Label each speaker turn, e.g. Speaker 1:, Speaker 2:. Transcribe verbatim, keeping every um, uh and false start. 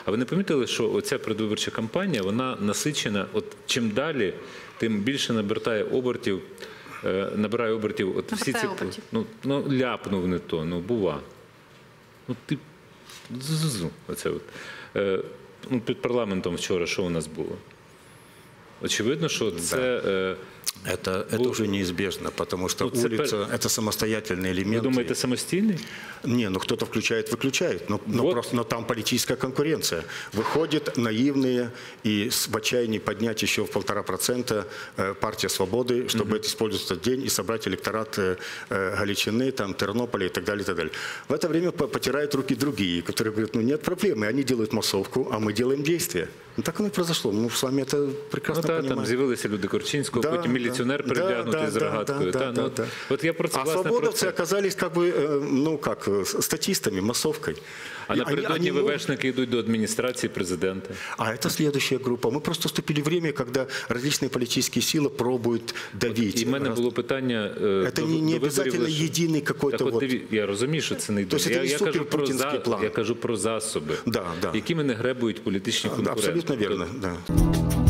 Speaker 1: А ви не помітили, що оця предвиборча кампанія, вона насичена, от чим далі, тим більше набирає обертів, е, набирає обертів, от всі ці, ну, ну, ляпнув не то, ну, бува. Ну, ти, зу, оце от. Е, ну, під парламентом вчора що у нас було? Очевидно, що це... Е,
Speaker 2: Это, это уже неизбежно, потому что
Speaker 1: ну,
Speaker 2: улица
Speaker 1: –
Speaker 2: это самостоятельный элемент.
Speaker 1: Вы думаете, самостийный?
Speaker 2: Не, ну кто-то включает, выключает, но, но,
Speaker 1: вот.
Speaker 2: просто, но там политическая конкуренция. Выходят наивные и в отчаянии поднять еще в полтора процента партия «Свободы», чтобы mm-hmm. использовать этот день и собрать электорат Галичины, там, Тернополя и так далее, и так далее. В это время потирают руки другие, которые говорят, ну нет проблемы, они делают массовку, а мы делаем действия. Ну так оно и произошло. Мы с вами это прекрасно
Speaker 1: ну, та,
Speaker 2: понимаем.
Speaker 1: Там з'явилися люди Корчинського,
Speaker 2: да,
Speaker 1: потім міліціонер
Speaker 2: да,
Speaker 1: переглянутий
Speaker 2: да,
Speaker 1: з рогаткою.
Speaker 2: Да,
Speaker 1: та,
Speaker 2: да,
Speaker 1: ну,
Speaker 2: да.
Speaker 1: От я про це,
Speaker 2: а
Speaker 1: власне,
Speaker 2: свободовцы
Speaker 1: про
Speaker 2: оказались как бы, ну как, статистами, массовкой.
Speaker 1: А напередодні ВВшники идут до администрации президента.
Speaker 2: А это следующая группа. Мы просто вступили в время, когда различные политические силы пробуют давить.
Speaker 1: І в мене було питання...
Speaker 2: Это
Speaker 1: до,
Speaker 2: не, не
Speaker 1: до
Speaker 2: обязательно
Speaker 1: виборів,
Speaker 2: единый какой-то...
Speaker 1: Так
Speaker 2: вот...
Speaker 1: от, я розумію, що це не йде.
Speaker 2: Тобто
Speaker 1: я,
Speaker 2: це
Speaker 1: я, кажу про за,
Speaker 2: план.
Speaker 1: я кажу про засоби,
Speaker 2: да, да.
Speaker 1: якими не гребують політичні конкуренти.
Speaker 2: Абсолютно верно, да.